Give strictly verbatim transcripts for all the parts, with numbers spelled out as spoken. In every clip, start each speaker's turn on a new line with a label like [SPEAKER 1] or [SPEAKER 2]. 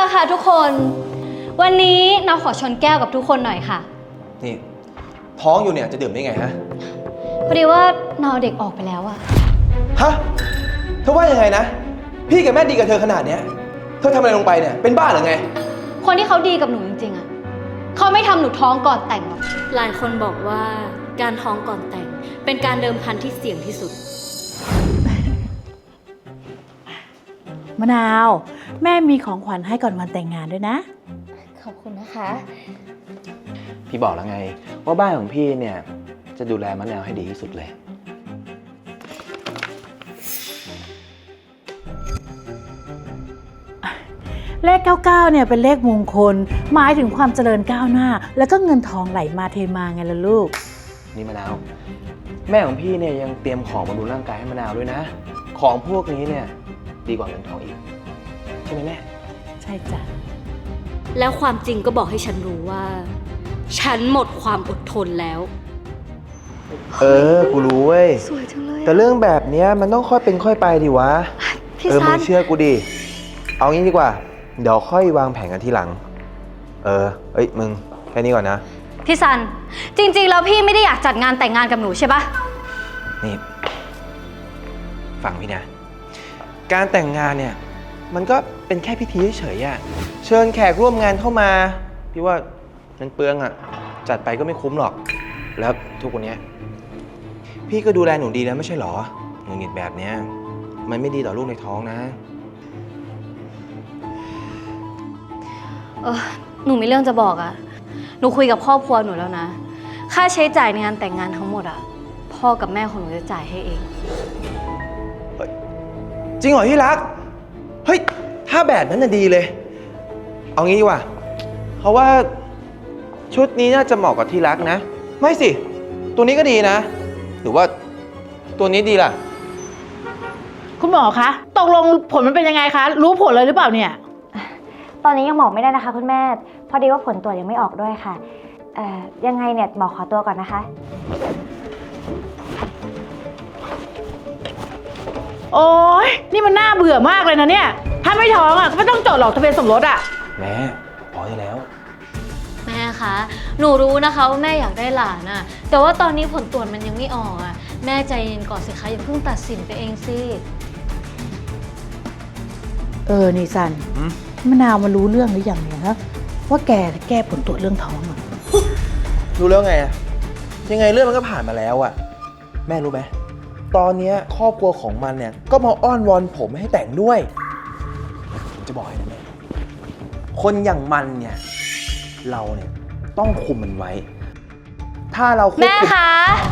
[SPEAKER 1] ค่ะทุกคนวันนี้เราขอชนแก้วกับทุกคนหน่อยค่ะ
[SPEAKER 2] นี่ท้องอยู่เนี่ยจะดื่มได้ไงฮะ
[SPEAKER 1] พอดีว่าเราเด็กออกไปแล้วอะ
[SPEAKER 2] ฮะเธอว่ายังไงนะพี่กับแม่ดีกับเธอขนาดเนี้ยเธอทำอะไรลงไปเนี่ยเป็นบ้าหรือไง
[SPEAKER 1] คนที่เขาดีกับหนูจริงๆอะเขาไม่ทำหนูท้องก่อนแต่งหรอก
[SPEAKER 3] หลายคนบอกว่าการท้องก่อนแต่งเป็นการเดิมพันที่เสี่ยงที่สุด
[SPEAKER 4] มะนาวแม่มีของขวัญให้ก่อนวันแต่งงานด้วยนะ
[SPEAKER 1] ขอบคุณนะคะ
[SPEAKER 2] พี่บอกแล้วไงว่าบ้านของพี่เนี่ยจะดูแลมะนาวให้ดีที่สุดเลย
[SPEAKER 4] เลขเก้าเก้าเนี่ยเป็นเลขมงคลหมายถึงความเจริญก้าวหน้าแล้วก็เงินทองไหลมาเทมาไงล่ะลูก
[SPEAKER 2] นี่มะนาวแม่ของพี่เนี่ยยังเตรียมของบำรุงร่างกายให้มะนาวด้วยนะของพวกนี้เนี่ยดีกว่าเงินทองอีกใช่ไหมแม่
[SPEAKER 4] ใช่จ้ะ
[SPEAKER 3] แล้วความจริงก็บอกให้ฉันรู้ว่าฉันหมดความอดทนแล้ว
[SPEAKER 2] เออกูรู้เว้ย
[SPEAKER 1] สวยจังเลย
[SPEAKER 2] แต่เรื่องแบบนี้มันต้องค่อยเป็นค่อยไปดิวะเออมึงเชื่อกูดิเอางี้ดีกว่าเดี๋ยวค่อยวางแผนกันทีหลังเออเอ้ยมึงแค่นี้ก่อนนะ
[SPEAKER 1] พี่ซันจริงๆแล้วพี่ไม่ได้อยากจัดงานแต่งงานกับหนูใช่ปะ
[SPEAKER 2] นี่ฟังพี่นะการแต่งงานเนี่ยมันก็เป็นแค่พิธีเฉยๆอ่ะเชิญแขกร่วมงานเข้ามาพี่ว่ามันเปลืองอ่ะจัดไปก็ไม่คุ้มหรอกแล้วทุกคนเนี้ยพี่ก็ดูแลหนูดีแล้วไม่ใช่หรอหงุดหงิดแบบเนี้ยมันไม่ดีต่อลูกในท้องนะ
[SPEAKER 1] เออหนูมีเรื่องจะบอกอ่ะหนูคุยกับครอบครัวหนูแล้วนะค่าใช้จ่ายในงานแต่งงานทั้งหมดอ่ะพ่อกับแม่ของหนูจะจ่ายให้เอง
[SPEAKER 2] จริงเหรอที่รักเฮ้ยถ้าแบบนั้นน่ะดีเลยเอางี้ดีกว่าเพราะว่าชุดนี้น่าจะเหมาะกับที่รักนะไม่สิตัวนี้ก็ดีนะหรือว่าตัวนี้ดีล่ะ
[SPEAKER 4] คุณหมอคะตกลงผลมันเป็นยังไงคะรู้ผลเลยหรือเปล่าเนี่ย
[SPEAKER 5] ตอนนี้ยังบอกไม่ได้นะคะคุณแม่พอดีว่าผลตรวจยังไม่ออกด้วยค่ะเอ่อยังไงเนี่ยหมอขอตัวก่อนนะคะ
[SPEAKER 4] โอ๊ยนี่มันน่าเบื่อมากเลยนะเนี่ยถ้าไม่ท้องอ่ะก็ไม่ต้องจดหรอกทะเบียนสมรสอ่ะ
[SPEAKER 2] แม่พอได้แล้ว
[SPEAKER 1] แม่คะหนูรู้นะคะว่าแม่อยากได้หลานอ่ะแต่ว่าตอนนี้ผลตรวจมันยังไม่ออกอ่ะแม่ใจเย็นก่อนสิคะอย่าเพิ่งตัดสินไปเองสิ
[SPEAKER 4] เออนี่ซันมะนาวมารู้เรื่องหรือยังเนี่ยฮะว่าแกแก้ผลตรวจเรื่องท้องอ่ะ
[SPEAKER 2] รู้แล้วไงอะยังไงเรื่องมันก็ผ่านมาแล้วอะแม่รู้ไหมตอนนี้ครอบครัวของมันเนี่ยก็มาอ้อนวอนผมให้แต่งด้วยผมจะบอกให้นะแม่คนอย่างมันเนี่ยเราเนี่ยต้องคุมมันไว้ถ้าเราควบคุม
[SPEAKER 1] แม่คะ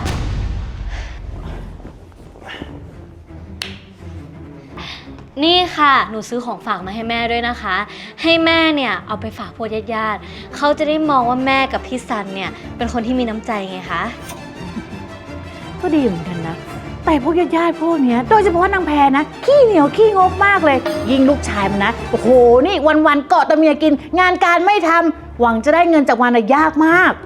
[SPEAKER 1] นี่ค่ะหนูซื้อของฝากมาให้แม่ด้วยนะคะให้แม่เนี่ยเอาไปฝากพวกญาติๆเขาจะได้มองว่าแม่กับพี่ซันเนี่ยเป็นคนที่มีน้ำใจไงคะ
[SPEAKER 4] ก็ดีเหมือนกันนะแต่พวกญาติๆพวกเนี้ยโดยเฉพาะนางแพรนะขี้เหนียวขี้งกมากเลยยิงลูกชายมันนะโอ้โหนี่วันๆเกาะแต่เมียกินงานการไม่ทำหวังจะได้เงินจากมันยากมาก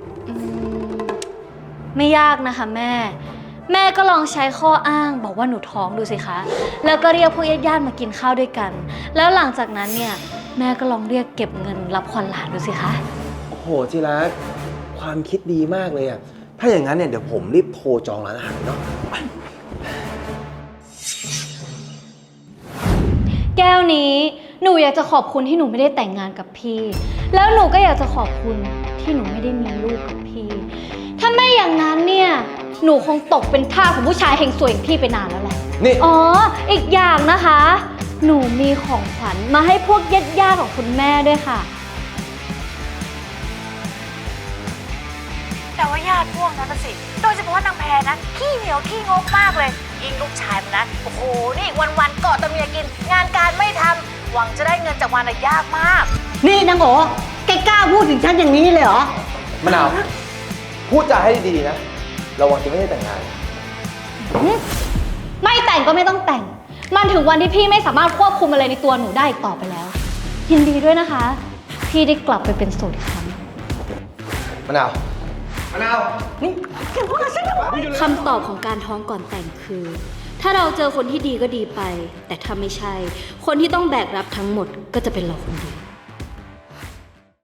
[SPEAKER 1] ไม่ยากนะคะแม่แม่ก็ลองใช้ข้ออ้างบอกว่าหนูท้องดูสิคะแล้วก็เรียกพวกญาติๆมากินข้าวด้วยกันแล้วหลังจากนั้นเนี่ยแม่ก็ลองเรียกเก็บเงินรับขวัญหลานดูสิคะ
[SPEAKER 2] โอ้โหจิรักความคิดดีมากเลยอะถ้าอย่างนั้นเนี่ยเดี๋ยวผมรีบโทรจองร้านอาหารเนาะ
[SPEAKER 1] แก้วนี้หนูอยากจะขอบคุณที่หนูไม่ได้แต่งงานกับพี่แล้วหนูก็อยากจะขอบคุณที่หนูไม่ได้มีลูกกับพี่ถ้าไม่อย่างนั้นเนี่ยหนูคงตกเป็นทาสของผู้ชายเฮงสวยอย่างพี่ไปนานแล้วแหละ
[SPEAKER 2] นี่
[SPEAKER 1] อ๋ออีกอย่างนะคะหนูมีของขวัญมาให้พวกญาติๆของคุณแม่ด้วยค่ะ
[SPEAKER 4] แต่ว่าญาติพวกนั้นสิโดยเฉพาะนางแพรนะขี้เหนียวขี้งกมากเลยยิงลูกชายมันนะโอ้โหนี่วันๆเกาะแต่เมียกินงานการไม่ทำหวังจะได้เงินจากมันยากมาก
[SPEAKER 6] นี่นางโอ๋แกกล้าพูดถึงฉันอย่างนี้เลยเหรอ
[SPEAKER 2] มะนาวพูดจาให้ดีๆนะระวังจะไม่ได้แต่งงาน
[SPEAKER 1] ไม่แต่งก็ไม่ต้องแต่งมันถึงวันที่พี่ไม่สามารถควบคุมอะไรในตัวหนูได้อีกต่อไปแล้วยินดีด้วยนะคะพี่ได้กลับไปเป็นโสดอีกครั้ง
[SPEAKER 2] มะนาวมะนาวนี่
[SPEAKER 3] คำตอบของการท้องก่อนแต่งคือถ้าเราเจอคนที่ดีก็ดีไปแต่ถ้าไม่ใช่คนที่ต้องแบกรับทั้งหมดก็จะเป็นเราคนเดียว